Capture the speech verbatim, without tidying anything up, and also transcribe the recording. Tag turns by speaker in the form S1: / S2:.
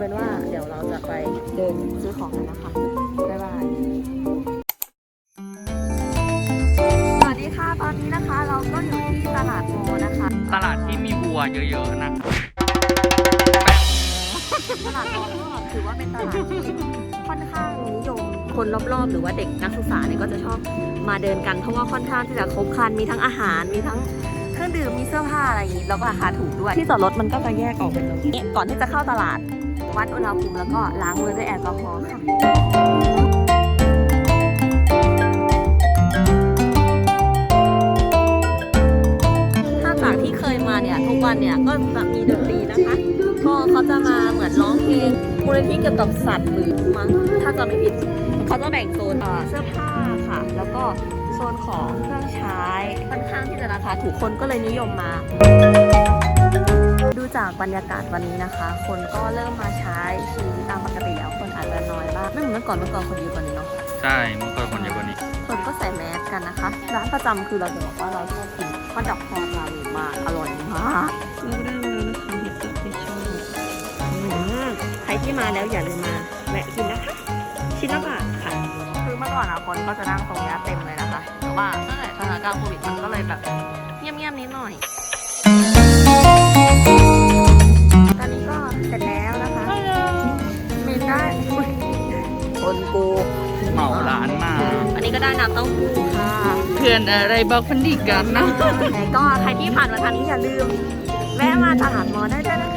S1: เป็นว่าเดี๋ยวเราจะไปเดินซื้อของกันนะคะบ๊ายบายสวัสดีค่ะตอนนี้นะคะเราก็อยู่ที่ตลาดโมนะคะ
S2: ตลาดที่มีวัวเยอะๆนะ
S1: ตลาดโมก็ถือว่าเป็นตลาดที่ค่อนข้างนิยมคนรอบๆหรือว่าเด็กนักศึกษาเนี่ยก็จะชอบมาเดินกันเพราะว่าค่อนข้างที่จะครบครันมีทั้งอาหารมีทั้งเครื่องดื่มมีเสื้อผ้าอะไรอย่างนี้แล้วก็ราคาถูกด้วยที่จอดรถมันก็จะแยกออกเป็นตรงนี้ก่อนที่จะเข้าตลาดวัดอุณหภูมิแล้วก็ล้างมือด้วยแอลกอฮอล์ค่ะถ้าจากที่เคยมาเนี่ยทุกวันเนี่ยก็จะมีดนตรีนะคะก็เขาจะมาเหมือนร้องเพลงมูลนิธิเกี่ยวกับสัตว์หรือมั้งถ้าจะไม่ผิดเขาจะแบ่งโซนเสื้อผ้าค่ะแล้วก็โซนของเครื่องใช้ค่อนข้างที่จะราคาถูกคนก็เลยนิยมมาดูจากบรรยากาศวันนี้นะคะ คนก็เริ่มมาใช้ชีวิตตามปกติแล้วคนอาจจะน้อยบ้างไม่เหมือนเมื่อก่อนเมื่อก่อนคนเยอะกว่านี้เนาะ
S2: ใช่เมื่อก่อนคนเยอะกว่านี้
S1: คนก็ใส่แมสกันนะคะร้านประจำคือเราจะบอกว่าเราชอบกินข้าวดอกทองร้านนี้มากอร่อยมากเราได้มาแล้วนะคะเห็ดดอกที่ชอบใครที่มาแล้วอย่าลืมมาแวะกินนะคะชิ้นละบาทค่ะคือเมื่อก่อนอะคนก็จะนั่งตรงนี้เต็มเลยนะคะแต่ว่าตั้งแต่สถานการณ์โควิดมันก็เลยแบบเงียบๆนิดหน่อยตอนนี้ก็เสร็จแล้วนะคะมีได้คนกู
S2: เหมาร้านมา
S1: อันนี้ก็ได้น้ำเต้าหู้ค่ะ
S2: เพื่อนอะไรบอกคนดีกันนะ
S1: แต่ก็ใครที่ผ่านมาทางนี้อย่าลืมแวะมาตลาดมอได้ด้วยนะ